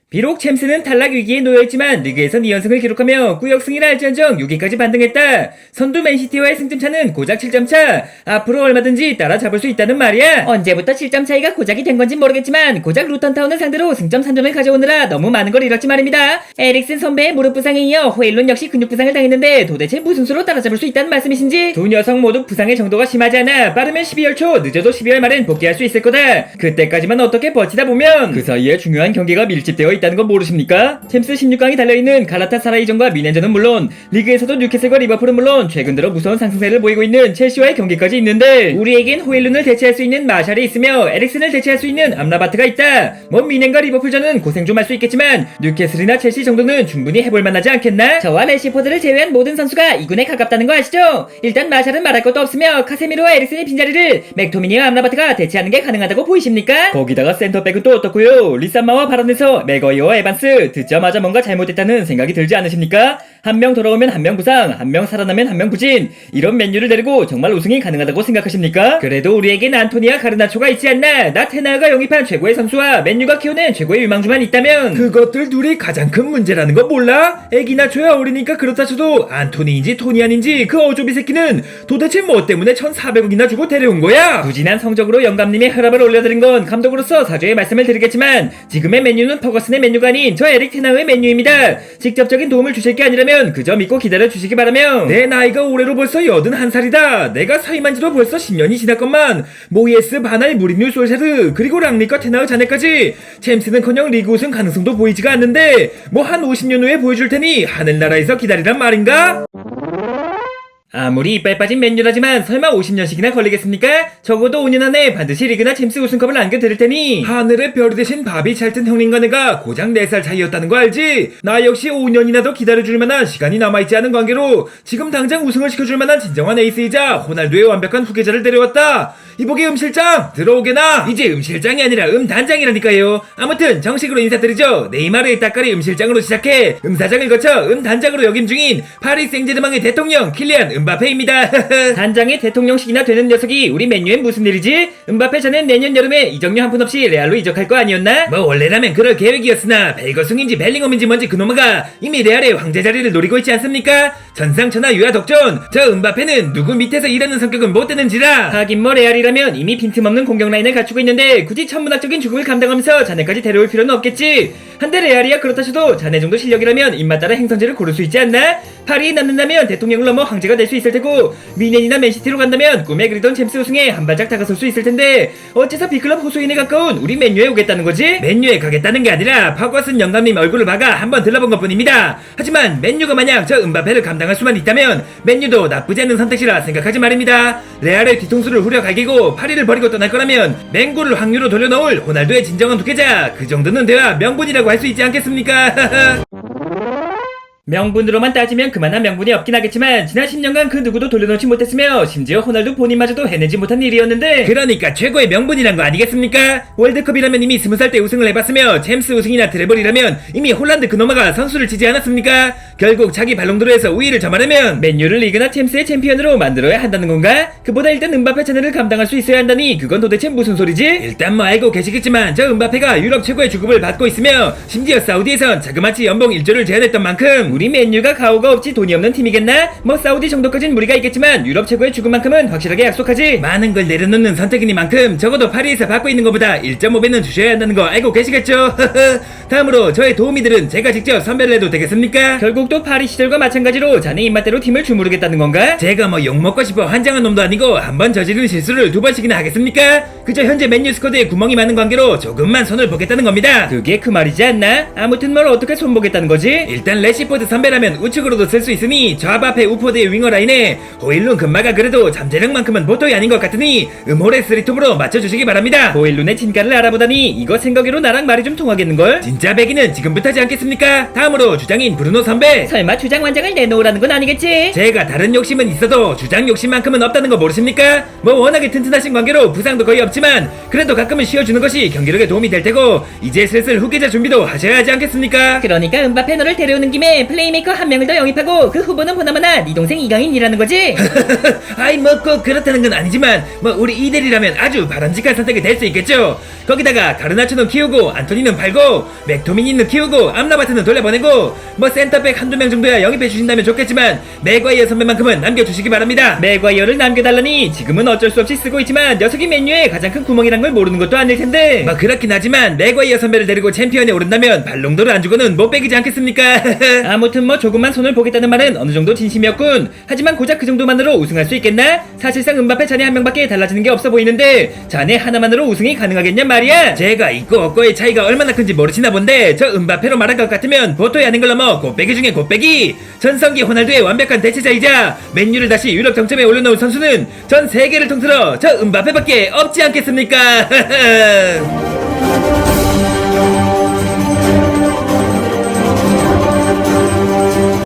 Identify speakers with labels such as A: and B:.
A: 비록 챔스는 탈락 위기에 놓여있지만 리그에선 2연승을 기록하며 구역승이라 할지언정 6위까지 반등했다. 선두 맨시티와의 승점차는 고작 7점 차. 앞으로 얼마든지 따라잡을 수 있다는 말이야. 언제부터 7점 차이가 고작이 된 건진 모르겠지만 고작 루턴타운을 상대로 승점 3점을 가져오느라 너무 많은 걸 잃었지 말입니다. 에릭슨 선배의 무릎 부상에 이어 호일룬 역시 근육 부상을 당했는데 도대체 무슨 수로 따라잡을 수 있다는 말씀이신지. 두 녀석 모두 부상의 정도가 심하지 않아 빠르면 12월 초 늦어도 12월 말엔 복귀할 수 있을 거다. 그때까지만 어떻게 버티다 보면 그 사이에 중요한 경기가 밀집되어 있다는 건 모르십니까? 챔스 16강이 달려있는 갈라타사라이전과 미넨전은 물론 리그에서도 뉴캐슬과 리버풀은 물론 최근 들어 무서운 상승세를 보이고 있는 첼시와의 경기까지 있는데 우리에겐 호일룬을 대체할 수 있는 마샬이 있으며 에릭슨을 대체할 수 있는 암라바트가 있다. 뭐 미넨과 리버풀전은 고생 좀 할 수 있겠지만 뉴캐슬이나 첼시 정도는 충분히 해볼 만하지 않겠나? 저와 레시포드를 제외한 모든 선수가 2군에 가깝다는 거 아시죠? 일단 마샬은 말할 것도 없으며 카세미로와 에릭슨의 빈자리를 맥토미니와 암라바트가 대체하는 게 가능하다고 보이십니까? 거기다가 센터백은 또 어떻고요? 리산마와 발언에서 맥어이어와 에반스 듣자마자 뭔가 잘못됐다는 생각이 들지 않으십니까? 한 명 돌아오면 한 명 부상, 한 명 살아나면 한 명 부진, 이런 맨유를 데리고 정말 우승이 가능하다고 생각하십니까? 그래도 우리에겐 안토니와 가르나초가 있지 않나? 나테나가 영입한 최고의 선수와 맨유가 키워낸 최고의 유망주만 있다면
B: 그것들 둘이 가장 큰 문제라는 거 몰라? 애기나초야 어리니까 그렇다 쳐도 안토니인지 토니안인지 그 어조비 새끼는 도대체 뭐 때문에 1,400억이나 주고 데려온 거야?
A: 부진한 성적으로 영감님의 혈압을 올려드린 건 감독으로서 사죄의 말씀을 드리겠지만 지금의 맨유는 퍼거슨의 맨유가 아닌 저 에릭 테나우의 맨유입니다. 직접적인 도움을 주실 게 아니라면 그저 믿고 기다려 주시기 바라며.
B: 내 나이가 올해로 벌써 81살이다. 내가 사임한 지도 벌써 10년이 지났건만 모이에스, 바날, 무리뉴, 솔샤르 그리고 랑리과 테나우 자네까지 챔스는커녕 리그 우승 가능성도 보이지가 않는데 뭐 한 50년 후에 보여줄 테니 하늘나라에서 기다리란 말인가?
A: 아무리 이빨 빠진 맨유라지만 설마 50년씩이나 걸리겠습니까? 적어도 5년 안에 반드시 리그나 챔스 우승컵을 안겨드릴 테니.
B: 하늘의 별이 대신 바비 찰튼 형님과 내가 고작 4살 차이였다는 거 알지? 나 역시 5년이나 더 기다려줄 만한 시간이 남아있지 않은 관계로 지금 당장 우승을 시켜줄 만한 진정한 에이스이자 호날두의 완벽한 후계자를 데려왔다. 이보게 실장 들어오게나. 이제 실장이 아니라 단장이라니까요. 아무튼 정식으로 인사드리죠. 네이마르의 따까리 실장으로 시작해 사장을 거쳐 단장으로 역임 중인 파리 생제르맹의 대통령 킬리안 음바페입니다.
A: 단장의 대통령식이나 되는 녀석이 우리 맨유엔 무슨 일이지? 음바페 자넨 내년 여름에 이적료 한 푼 없이 레알로 이적할 거 아니었나?
B: 뭐 원래라면 그럴 계획이었으나 벨거숭인지 벨링엄인지 뭔지 그놈아가 이미 레알의 황제 자리를 노리고 있지 않습니까? 전상천하 유아독존. 저 음바페는 누구 밑에서 일하는 성격은 못 되는지라.
A: 하긴 뭐 레알이라면 이미 빈틈없는 공격 라인을 갖추고 있는데 굳이 천문학적인 죽음을 감당하면서 자네까지 데려올 필요는 없겠지. 한데 레알이야 그렇다 쳐도 자네 정도 실력이라면 입맛 따라 행선지를 고를 수 있지 않나? 파리에 남는다면 대통령을 넘어 황제가 될 수 있을 테고 미넨이나 맨시티로 간다면 꿈에 그리던 챔스 우승에 한 발짝 다가설 수 있을 텐데 어째서 B클럽 호소인에 가까운 우리 맨유에 오겠다는 거지?
B: 맨유에 가겠다는 게 아니라 퍼거슨 영감님 얼굴을 봐가 한번 들러본 것뿐입니다. 하지만 맨유가 만약 저 음바페를 감당할 수만 있다면 맨유도 나쁘지 않은 선택지라 생각하지 말입니다. 레알의 뒤통수를 후려 갈기고 파리를 버리고 떠날 거라면 맹구를 확률로 돌려놓을 호날두의 진정한 독혜자 그 정도는 돼야 명분이라고 할 수 있지 않겠습니까?
A: 명분으로만 따지면 그만한 명분이 없긴 하겠지만 지난 10년간 그 누구도 돌려놓지 못했으며 심지어 호날두 본인마저도 해내지 못한 일이었는데
B: 그러니까 최고의 명분이란 거 아니겠습니까? 월드컵이라면 이미 20살 때 우승을 해봤으며 챔스 우승이나 트래블이라면 이미 홀란드 그놈아가 선수를 치지 않았습니까? 결국 자기 발롱도르에서 우위를 점하려면
A: 맨유를 리그나 챔스의 챔피언으로 만들어야 한다는 건가? 그보다 일단 음바페 차례를 감당할 수 있어야 한다니 그건 도대체 무슨 소리지?
B: 일단 뭐 알고 계시겠지만 저 음바페가 유럽 최고의 주급을 받고 있으며 심지어 사우디에선 자그마치 연봉 1조를 제안했던 만큼
A: 우리 맨유가 가오가 없지 돈이 없는 팀이겠나? 뭐 사우디 정도까진 무리가 있겠지만 유럽 최고의 주급만큼은 확실하게 약속하지.
B: 많은 걸 내려놓는 선택이니만큼 적어도 파리에서 받고 있는 것보다 1.5배는 주셔야 한다는 거 알고 계시겠죠? 다음으로 저의 도우미들은 제가 직접 선별을 해도 되겠습니까?
A: 결국 또 파리 시절과 마찬가지로 자네 입맛대로 팀을 주무르겠다는 건가?
B: 제가 뭐 욕먹고 싶어 환장한 놈도 아니고 한 번 저지른 실수를 2번씩이나 하겠습니까? 그저 현재 맨유 스쿼드에 구멍이 많은 관계로 조금만 손을 보겠다는 겁니다.
A: 그게 그 말이지 않나? 아무튼 뭘 어떻게 손보겠다는 거지?
B: 일단 레시포드 선배라면 우측으로도 쓸 수 있으니 저 앞에 우포드의 윙어 라인에 호일룬 금마가 그래도 잠재력만큼은 보통이 아닌 것 같으니 음홀의 스리톱으로 맞춰주시기 바랍니다.
A: 호일룬의 진가를 알아보다니 이거 생각으로 나랑 말이 좀 통하겠는걸?
B: 진짜 배기는 지금부터지 않겠습니까? 다음으로 주장인 브루노 선배.
A: 설마 주장 완장을 내놓으라는 건 아니겠지?
B: 제가 다른 욕심은 있어도 주장 욕심만큼은 없다는 거 모르십니까? 뭐 워낙에 튼튼하신 관계로 부상도 거의 없지만 그래도 가끔은 쉬어주는 것이 경기력에 도움이 될 테고 이제 슬슬 후계자 준비도 하셔야 하지 않겠습니까?
A: 그러니까 음바페 너를 데려오는 김에 플레이메이커 한 명을 더 영입하고 그 후보는 보나마나 네 동생 이강인이라는 거지?
B: 아이 뭐 꼭 그렇다는 건 아니지만 뭐 우리 이대리라면 아주 바람직한 선택이 될 수 있겠죠. 거기다가 가르나초는 키우고 안토니는 팔고 맥토미니는 키우고 암라바트는 돌려보내고 뭐 센터백 한두 명 정도야 영입해 주신다면 좋겠지만 맥과이어 선배만큼은 남겨주시기 바랍니다.
A: 맥과이어를 남겨달라니 지금은 어쩔 수 없이 쓰고 있지만 녀석이 맨유의 가장 큰 구멍이란 걸 모르는 것도 아닐 텐데.
B: 뭐 그렇긴 하지만 맥과이어 선배를 데리고 챔피언에 오른다면 발롱도를 안 주고는 못 빼기지 않겠습니까?
A: 아무튼 뭐 조금만 손을 보겠다는 말은 어느 정도 진심이었군. 하지만 고작 그 정도만으로 우승할 수 있겠나? 사실상 은바페 자네 한 명밖에 달라지는 게 없어 보이는데 자네 하나만으로 우승이 가능하겠냐 말이야.
B: 제가 있고 없고의 차이가 얼마나 큰지 모르시나 본데 저 은바페로 말할 것 같으면 보토의 아닌 걸 넘어 곱빼기 중에 곱빼기. 전성기 호날두의 완벽한 대체자이자 맨유를 다시 유럽 정점에 올려놓은 선수는 전 세계를 통틀어 저 은바페밖에 없지 않겠습니까?